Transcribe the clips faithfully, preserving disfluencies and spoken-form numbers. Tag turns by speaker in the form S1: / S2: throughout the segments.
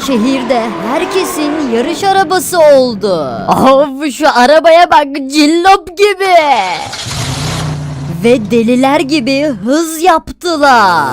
S1: şehirde herkesin yarış arabası oldu. Of, şu arabaya bak, cillop gibi. Ve deliler gibi hız yaptılar.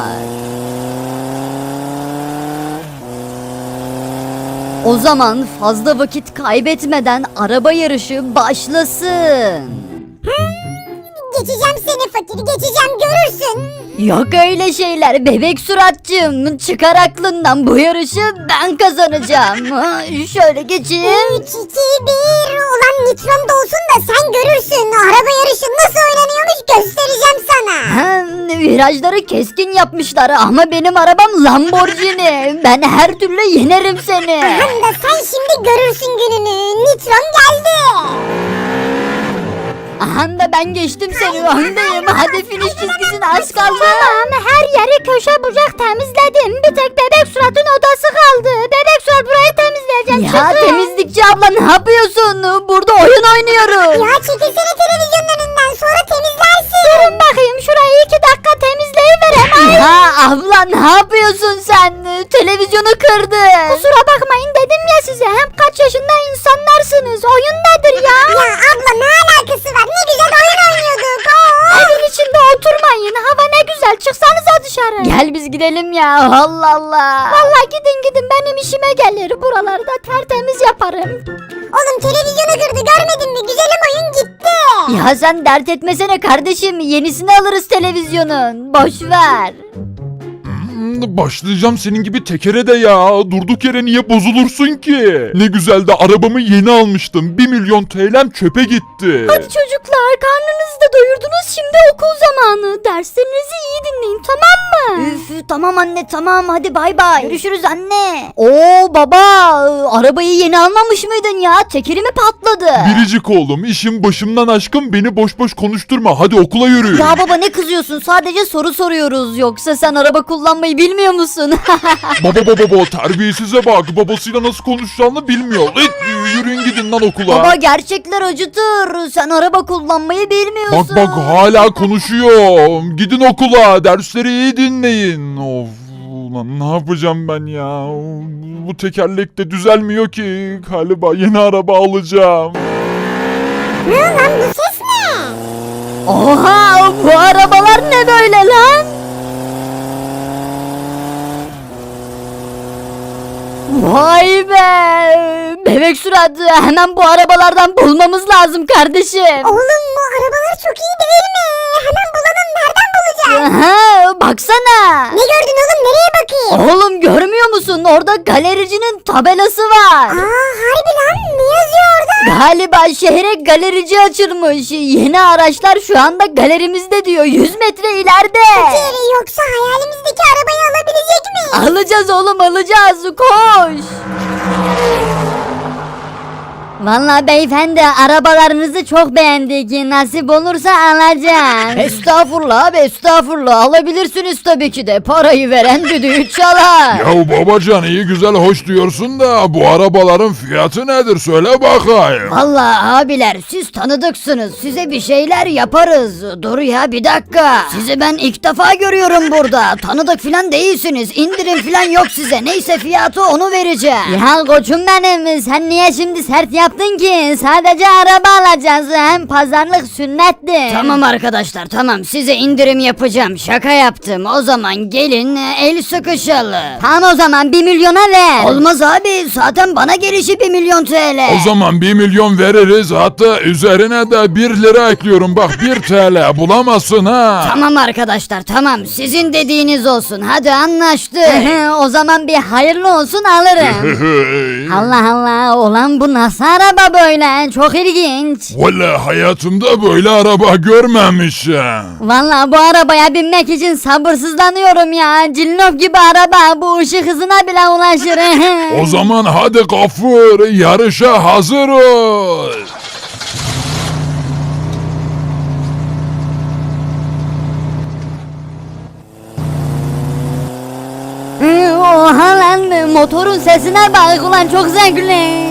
S1: O zaman fazla vakit kaybetmeden araba yarışı başlasın.
S2: Geçeceğim seni fakir, geçeceğim, görürsün.
S1: Yok öyle şeyler bebek suratcığım. Çıkar aklından, bu yarışı ben kazanacağım. Ha, şöyle geçeyim.
S2: üç, iki, bir. Ulan nitron da olsun da sen görürsün. Araba yarışı nasıl oynanıyormuş göstereceğim sana.
S1: Ha, virajları keskin yapmışlar ama benim arabam Lamborghini. Ben her türlü yenerim seni.
S2: Hem de sen şimdi görürsün gününü. Nitron geldi.
S1: Aha da ben geçtim seni, öndeyim. Hadi finish çizgisine az kaldı.
S2: Tamam, her yeri köşe bucak temizledim. Bir tek bebek suratın odası kaldı. Bebek surat burayı temizleyeceğim.
S1: Ya
S2: çıkın.
S1: temizlikçi abla, ne yapıyorsun? Burada oyun oynuyoruz.
S2: Ya çekilsene televizyonun önünden, sonra temizlersin. Durun bakayım, şurayı iki dakika temizleyiverem.
S1: Ya abla, ne yapıyorsun sen? Televizyonu kırdı.
S2: Kusura bakmayın dedim ya size. Hem kaç yaşında insanlarsınız. Oyun nedir ya? Ya abla ne alakası var? Ne güzel oyun oynuyorduk. Evin içinde oturmayın. Hava ne güzel. Çıksanıza dışarı.
S1: Gel biz gidelim ya. Allah Allah.
S2: Vallahi gidin gidin, benim işime gelir. Buraları da tertemiz yaparım. Oğlum televizyonu kırdı, görmedin mi? Güzelim oyun gitti.
S1: Ya sen dert etmesene kardeşim. Yenisini alırız televizyonun. Boş ver.
S3: Başlayacağım senin gibi tekere de ya. Durduk yere niye bozulursun ki? Ne güzel de arabamı yeni almıştım. bir milyon T L'm çöpe gitti.
S1: Hadi çocuklar, karnınızı da doyurdunuz. Şimdi okul zamanı. Derslerinizi iyi dinleyin, tamam mı? Üf, tamam anne, tamam. Hadi bay bay. Görüşürüz anne. Oo baba, arabayı yeni almamış mıydın ya? Tekeri mi patladı?
S3: Biricik oğlum, işim başımdan aşkın, beni boş boş konuşturma. Hadi okula yürü.
S1: Ya baba, ne kızıyorsun? Sadece soru soruyoruz. Yoksa sen araba kullanmayı bilmiyor musun?
S3: Baba baba baba, terbiyesize bak. Babasıyla nasıl konuşacağını bilmiyor. İt, yürüyün gidin lan okula.
S1: Baba, gerçekler acıtır. Sen araba kullanmayı bilmiyorsun.
S3: Bak bak, hala konuşuyor. Gidin okula, dersleri iyi dinleyin. Of, ulan ne yapacağım ben ya? Bu tekerlek de düzelmiyor ki. Galiba yeni araba alacağım.
S2: Ne lan, bu ses ne?
S1: Oha, bu arabalar ne böyle lan? Vay be! Bebek surat, hemen bu arabalardan bulmamız lazım kardeşim.
S2: Oğlum bu arabalar çok iyi değil mi? Hemen bulalım, nereden bulacağız?
S1: Aha, baksana.
S2: Ne gördün oğlum, nereye bakayım?
S1: Oğlum, görmüyor musun? Orada galericinin tabelası var.
S2: Aa harbi lan, ne yazıyor orada?
S1: Galiba şehre galerici açılmış. Yeni araçlar şu anda galerimizde diyor. yüz metre ileride.
S2: Fakir, yoksa hayalimizdeki arabayı alabilecek mi?
S1: Alacağız oğlum, alacağız. Koş. Vallahi beyefendi, arabalarınızı çok beğendik. Nasip olursa alacağım. Estağfurullah abi, estağfurullah. Alabilirsiniz tabii ki de. Parayı veren düdüğü çalar.
S3: Ya babacan, iyi güzel hoş diyorsun da bu arabaların fiyatı nedir, söyle bakayım.
S1: Vallahi abiler, siz tanıdıksınız. Size bir şeyler yaparız. Dur ya, bir dakika. Sizi ben ilk defa görüyorum burada. Tanıdık filan değilsiniz. İndirim filan yok size. Neyse, fiyatı onu vereceğim. Ya koçum benim, sen niye şimdi sert yaptın ki? Sadece araba alacağız. Hem pazarlık sünnettir. Tamam arkadaşlar, tamam. Size indirim yapacağım. Şaka yaptım. O zaman gelin el sıkışalım. Tamam, o zaman bir milyona ver. Olmaz abi. Zaten bana gelişi bir milyon T L.
S3: O zaman bir milyon veririz, hatta üzerine de bir lira ekliyorum, bak bir T L bulamazsın ha.
S1: Tamam arkadaşlar, tamam, sizin dediğiniz olsun, hadi anlaştık. O zaman bir hayırlı olsun, alırım. Allah Allah, olan bu nasıl araba böyle, çok ilginç.
S3: Valla hayatımda böyle araba görmemişim.
S1: Vallahi bu arabaya binmek için sabırsızlanıyorum ya. Cillop gibi araba, bu ışık hızına bile ulaşır.
S3: O zaman hadi Gafur, yarışa hazır ol.
S1: Oha lan, motorun sesine bak ulan, çok zevkli.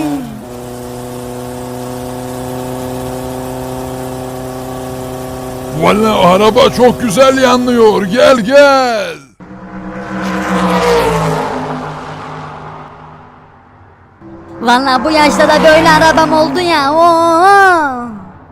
S3: Valla araba çok güzel yanlıyor, gel gel.
S2: Vallahi bu yaşta da böyle arabam oldu ya. Oo.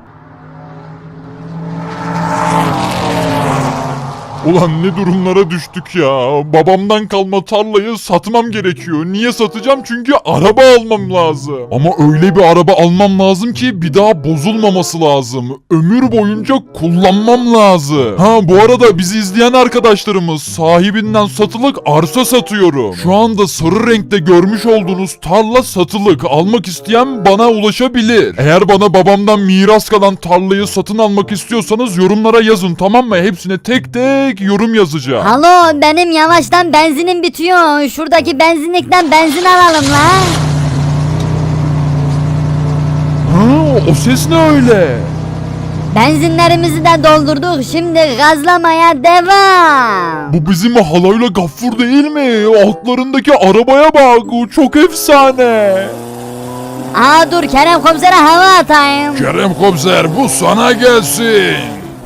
S3: Ulan ne durumlara düştük ya. Babamdan kalma tarlayı satmam gerekiyor. Niye satacağım? Çünkü araba almam lazım. Ama öyle bir araba almam lazım ki bir daha bozulmaması lazım. Ömür boyunca kullanmam lazım. Ha bu arada bizi izleyen arkadaşlarımız, sahibinden satılık arsa satıyorum. Şu anda sarı renkte görmüş olduğunuz tarla satılık. Almak isteyen bana ulaşabilir. Eğer bana babamdan miras kalan tarlayı satın almak istiyorsanız yorumlara yazın, tamam mı? Hepsine tek tek yorum yazacağım.
S2: Alo, benim yavaştan benzinim bitiyor. Şuradaki benzinlikten benzin alalım la.
S3: Ha, o ses ne öyle?
S2: Benzinlerimizi de doldurduk. Şimdi gazlamaya devam.
S3: Bu bizim halayla Gaffur değil mi? Altlarındaki arabaya bak. O çok efsane.
S2: Aa dur, Kerem komisere hava atayım.
S3: Kerem komiser, bu sana gelsin.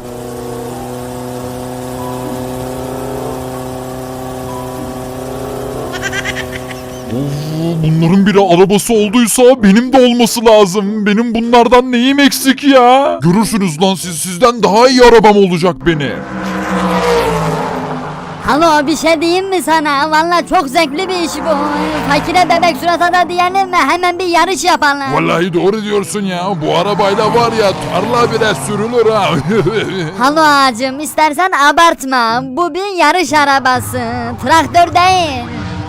S3: Of, bunların biri arabası olduysa benim de olması lazım. Benim bunlardan neyim eksik ya? Görürsünüz lan siz, sizden daha iyi arabam olacak benim.
S2: Alo, bir şey diyeyim mi sana? Vallahi çok zevkli bir iş bu. Fakire bebek surata da diyelim mi? Hemen bir yarış yapalım.
S3: Vallahi doğru diyorsun ya. Bu arabayla var ya tarla bile sürülür ha.
S2: Halo ağacım, istersen abartma. Bu bir yarış arabası. Traktör değil.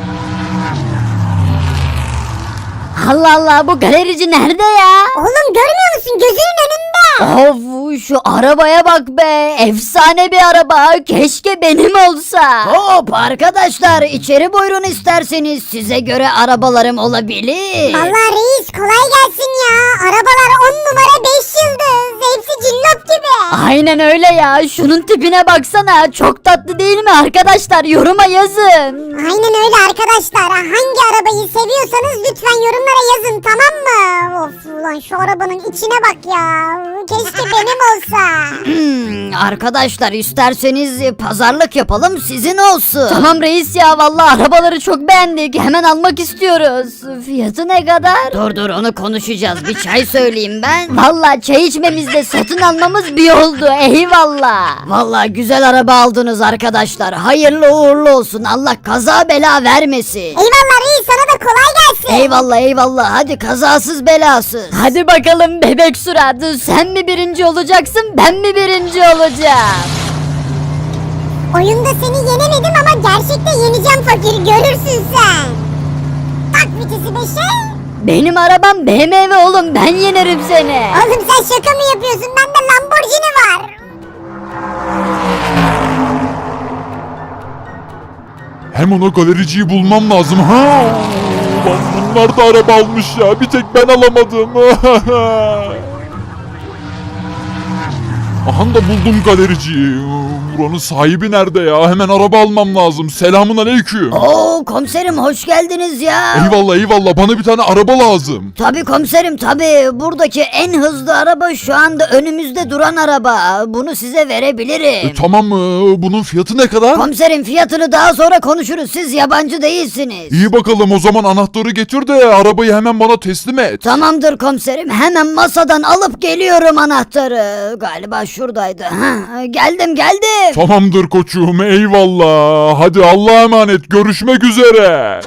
S2: Allah Allah, bu galerici nerede ya?
S4: Oğlum görmüyor musun? Gözünün önünde.
S2: Of, şu arabaya bak be. Efsane bir araba. Keşke benim olsa.
S1: Hop arkadaşlar, içeri buyurun isterseniz. Size göre arabalarım olabilir.
S4: Vallahi reis kolay gelsin ya. Arabalar on numara beş yıldız. Hepsi cillop gibi.
S2: Aynen öyle ya. Şunun tipine baksana. Çok tatlı değil mi arkadaşlar? Yoruma yazın.
S4: Aynen öyle arkadaşlar. Hangi arabayı seviyorsanız lütfen yorumlara yazın, tamam mı? Of ulan şu arabanın içine bak ya. Keşke benim olsa.
S1: Hmm, arkadaşlar isterseniz pazarlık yapalım, sizin olsun.
S2: Tamam reis ya, vallahi arabaları çok beğendik. Hemen almak istiyoruz. Fiyatı ne kadar?
S1: Dur dur, onu konuşacağız. Bir çay söyleyeyim ben.
S2: Vallahi çay içmemizde satın almamız bir oldu. Eyvallah.
S1: Vallahi güzel araba aldınız arkadaşlar. Hayırlı uğurlu olsun. Allah kaza bela vermesin.
S4: Eyvallah reis, sana da kolay gelsin.
S1: Eyvallah eyvallah. Hadi kazasız belasız.
S2: Hadi bakalım bebek surat. Sen mi birinci olacaksın, ben mi birinci olacağım?
S4: Oyunda seni yenemedim ama gerçekte yeneceğim fakir, görürsün sen. Tak vitesi beşe.
S2: Benim arabam B M W oğlum, ben yenerim seni.
S4: Oğlum sen şaka mı yapıyorsun? Bende Lamborghini var.
S3: Hemen o galericiyi bulmam lazım. Ha! Ulan bunlar da araba almış ya. Bir tek ben alamadım. Aha da buldum galericiyi. Buranın sahibi nerede ya? Hemen araba almam lazım. Selamun aleyküm.
S1: Oo komiserim, hoş geldiniz ya.
S3: Eyvallah eyvallah. Bana bir tane araba lazım.
S1: Tabii komiserim tabii. Buradaki en hızlı araba şu anda önümüzde duran araba. Bunu size verebilirim.
S3: E, tamam mı? Bunun fiyatı ne kadar?
S1: Komiserim, fiyatını daha sonra konuşuruz. Siz yabancı değilsiniz.
S3: İyi bakalım, o zaman anahtarı getir de arabayı hemen bana teslim et.
S1: Tamamdır komiserim. Hemen masadan alıp geliyorum anahtarı. Galiba şuradaydı. Ha, geldim geldim.
S3: Tamamdır koçum, eyvallah. Hadi Allah'a emanet, görüşmek üzere.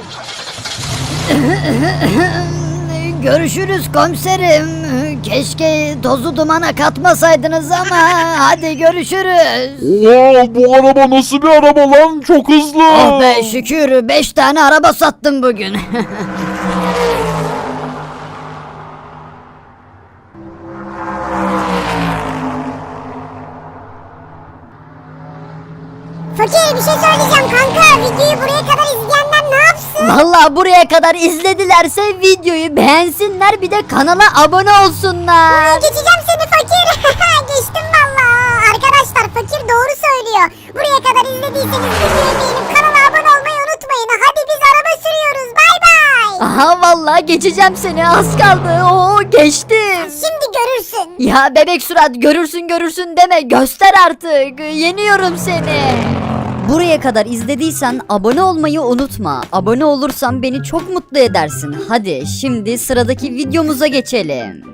S1: Görüşürüz komiserim. Keşke tozu dumana katmasaydınız ama hadi görüşürüz.
S3: Oo, bu araba nasıl bir araba lan? Çok hızlı.
S1: Oh be şükür, beş tane araba sattım bugün.
S4: Fakir bir şey söyleyeceğim kanka. Videoyu buraya kadar izleyenler ne yapsın?
S2: Vallahi buraya kadar izledilerse videoyu beğensinler, bir de kanala abone olsunlar.
S4: Geçeceğim seni fakir. Geçtim valla. Arkadaşlar fakir doğru söylüyor. Buraya kadar izlediyseniz videoyu beğenip kanala abone olmayı unutmayın. Hadi biz araba sürüyoruz. Bay bay.
S2: Aha vallahi geçeceğim seni, az kaldı. Oo geçtim.
S4: Şimdi görürsün.
S2: Ya bebek surat, görürsün görürsün deme, göster artık. Yeniyorum seni.
S5: Buraya kadar izlediysen abone olmayı unutma. Abone olursan beni çok mutlu edersin. Hadi şimdi sıradaki videomuza geçelim.